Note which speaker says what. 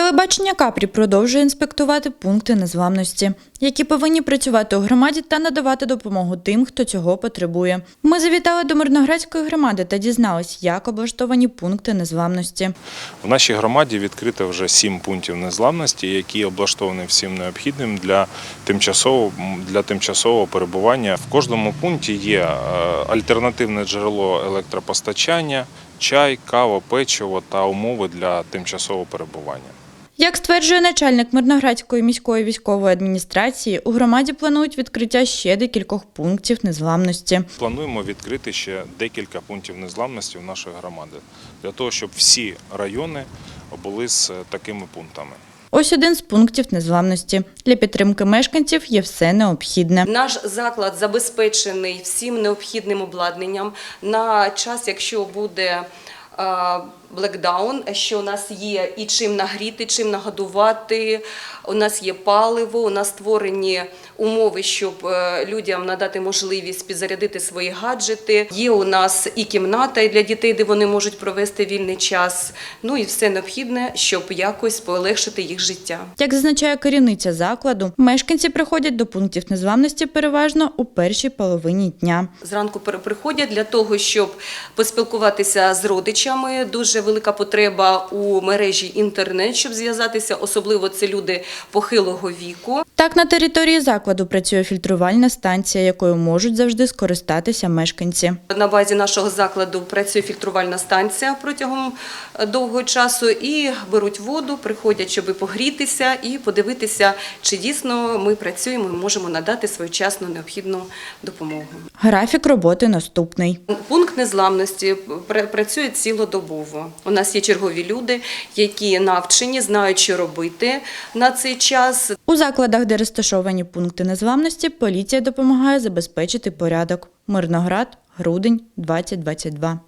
Speaker 1: Телебачення Капрі продовжує інспектувати пункти незламності, які повинні працювати у громаді та надавати допомогу тим, хто цього потребує. Ми завітали до Мирноградської громади та дізнались, як облаштовані пункти незламності.
Speaker 2: В нашій громаді відкрито вже 7 пунктів незламності, які облаштовані всім необхідним для тимчасового перебування. В кожному пункті є альтернативне джерело електропостачання, чай, кава, печиво та умови для тимчасового перебування.
Speaker 1: Як стверджує начальник Мирноградської міської військової адміністрації, у громаді планують відкриття ще декількох пунктів незламності.
Speaker 2: Плануємо відкрити ще декілька пунктів незламності в нашої громади, для того, щоб всі райони були з такими пунктами.
Speaker 1: Ось один з пунктів незламності. Для підтримки мешканців є все необхідне.
Speaker 3: Наш заклад забезпечений всім необхідним обладнанням на час, якщо буде блекдаун, що у нас є і чим нагріти, чим нагодувати, у нас є паливо, у нас створені умови, щоб людям надати можливість підзарядити свої гаджети. Є у нас і кімната для дітей, де вони можуть провести вільний час, ну і все необхідне, щоб якось полегшити їх життя.
Speaker 1: Як зазначає керівниця закладу, мешканці приходять до пунктів незламності переважно у першій половині дня.
Speaker 3: Зранку приходять для того, щоб поспілкуватися з родичами. Дуже велика потреба у мережі інтернет, щоб зв'язатися, особливо це люди похилого віку.
Speaker 1: Так, на території закладу працює фільтрувальна станція, якою можуть завжди скористатися мешканці.
Speaker 3: На базі нашого закладу працює фільтрувальна станція протягом довгого часу і беруть воду, приходять, щоб погрітися і подивитися, чи дійсно ми працюємо і можемо надати своєчасну необхідну допомогу.
Speaker 1: Графік роботи наступний.
Speaker 3: Пункт незламності працює цілодобово. У нас є чергові люди, які навчені, знають, що робити на цей час.
Speaker 1: У закладах, де розташовані пункти незламності, поліція допомагає забезпечити порядок. Мирноград, грудень, 2022.